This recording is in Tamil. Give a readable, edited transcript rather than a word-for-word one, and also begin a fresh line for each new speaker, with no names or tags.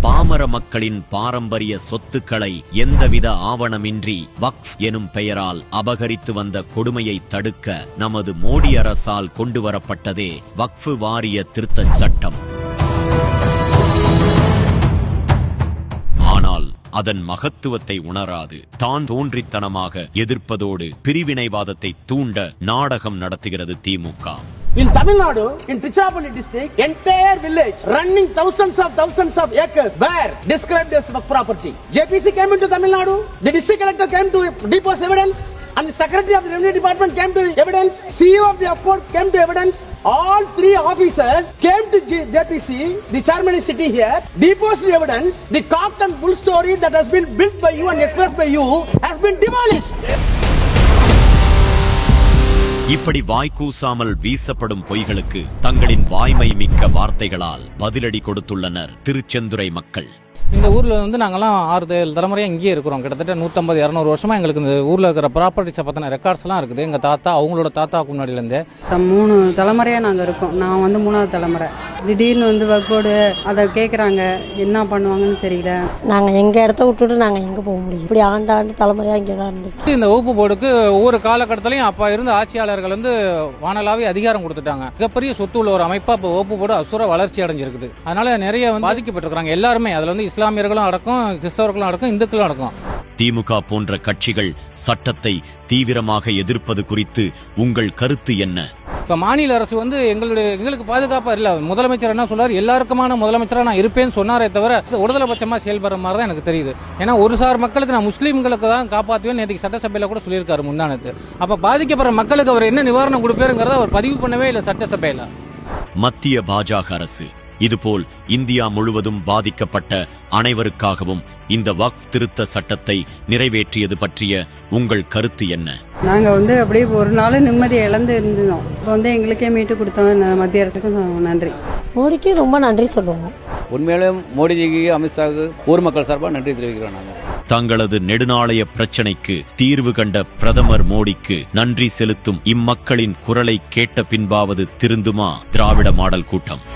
பாமர மக்களின் பாரம்பரிய சொத்துக்களை எந்தவித ஆவணமின்றி வக்ஃப் எனும் பெயரால் அபகரித்து வந்த கொடுமையை தடுக்க நமது மோடி அரசால் கொண்டுவரப்பட்டதே வக்ஃப் வாரிய திருத்தச் சட்டம். ஆனால் அதன் மகத்துவத்தை உணராது தான் தோன்றித்தனமாக எதிர்ப்பதோடு பிரிவினைவாதத்தை தூண்ட நாடகம் நடத்துகிறது திமுக.
In Tamil Nadu, in Tiruchirappalli district, entire village running thousands of acres were described as work property. JPC came into Tamil Nadu, the district collector came to depose evidence, and the secretary of the revenue department came to evidence, CEO of the port came to evidence. All three officers came to JPC, the chairman is sitting here, deposed evidence. The cock and bull story that has been built by you and expressed by you has been demolished.
இப்படி வாய்க்கூசாமல் வீசப்படும் பொய்களுக்கு தங்களின் வாய்மை மிக்க வார்த்தைகளால் பதிலடி கொடுத்துள்ளனர் திருச்செந்துறை மக்கள்.
இந்த ஊர்ல நாங்கெல்லாம் 6-7 தலைமுறையா இங்கேயே இருக்கிறோம். கிட்டத்தட்ட 150-200 வருஷமா எங்களுக்கு இந்த ஊர்ல இருக்கிற ப்ராப்பர்ட்டிஸை பத்தின ரெக்கார்ட்ஸ் எல்லாம் இருக்குது. எங்க தாத்தா அவங்களோட தாத்தாக்கு முன்னாடில இருந்தே
3 தலைமுறையா நாங்க இருக்கோம். நான் 3ஆவது தலைமுறை. திடீர்னு வக்கோடு அதை கேட்குறாங்க, என்ன பண்ணுவாங்கன்னு தெரியல.
நாங்கள் எங்கள் இடத்த விட்டுட்டு நாங்கள் எங்கே போக முடியும்? இப்படி ஆண்டாண்டு தலைமுறையாக இங்கே தான் இருந்துச்சு.
இந்த வகுப்பு போர்டுக்கு ஒவ்வொரு காலகட்டத்திலையும் அப்போ இருந்த ஆட்சியாளர்கள் வானலாவே அதிகாரம் கொடுத்துட்டாங்க. மிகப்பெரிய சொத்து உள்ள ஒரு அமைப்பா இப்போ வகுப்பு போர்டு அசுர வளர்ச்சி அடைஞ்சிருக்குது. அதனால நிறைய பாதிக்கப்பட்டிருக்கிறாங்க எல்லாருமே. அதுல இஸ்லாமியர்களும் அடக்கம், கிறிஸ்தவர்களும் அடக்கம், இந்துக்களும் அடக்கம்.
திமுக போன்ற கட்சிகள் சட்டத்தை தீவிரமாக எதிர்ப்பது குறித்து உங்கள் கருத்து என்ன?
இப்ப மாநில அரசு எங்களுக்கு பாதுகாப்பா இல்ல. முதலமைச்சர் என்ன சொல்றாரு, எல்லாருக்குமான முதலமைச்சரா நான் இருப்பேன்னு சொன்னாரே தவிர உடதலைபட்சமா செயல்படுற மாதிரி தான் எனக்கு தெரியுது. ஏன்னா ஒரு சார் மக்களுக்கு நான் முஸ்லீம்களுக்கு தான் காப்பாற்றுவேன் நேற்று சட்டசபையில கூட சொல்லியிருக்காரு முந்தானத்து. அப்ப பாதிக்கப்படுற மக்களுக்கு அவர் என்ன நிவாரணம் கொடுப்பாருங்கிறத அவர் பதிவு பண்ணவே இல்லை சட்டசபையில.
மத்திய பாஜக அரசு இதுபோல் இந்தியா முழுவதும் பாதிக்கப்பட்ட அனைவருக்காகவும் இந்த வக்ஃப் திருத்த சட்டத்தை நிறைவேற்றியது பற்றிய உங்கள் கருத்து என்ன?
நாங்க அப்படியே ஒரு நாள் நிம்மதியை இழந்து இருந்தோம். இப்போ எங்களுக்கே மீட்டு கொடுத்தோம். மத்திய அரசுக்கும் நன்றி.
மோடிக்கு ரொம்ப நன்றி சொல்லுவோம்.
உண்மையிலே மோடிஜிக்கு, அமித்ஷாவுக்கு ஊர் மக்கள் சார்பாக நன்றி தெரிவிக்கிறோம். நாங்கள்
தங்களது நெடுநாளைய பிரச்சனைக்கு தீர்வு கண்ட பிரதமர் மோடிக்கு நன்றி செலுத்தும் இம்மக்களின் குரலை கேட்ட பின்பாவது திருந்துமா திராவிட மாடல் கூட்டம்?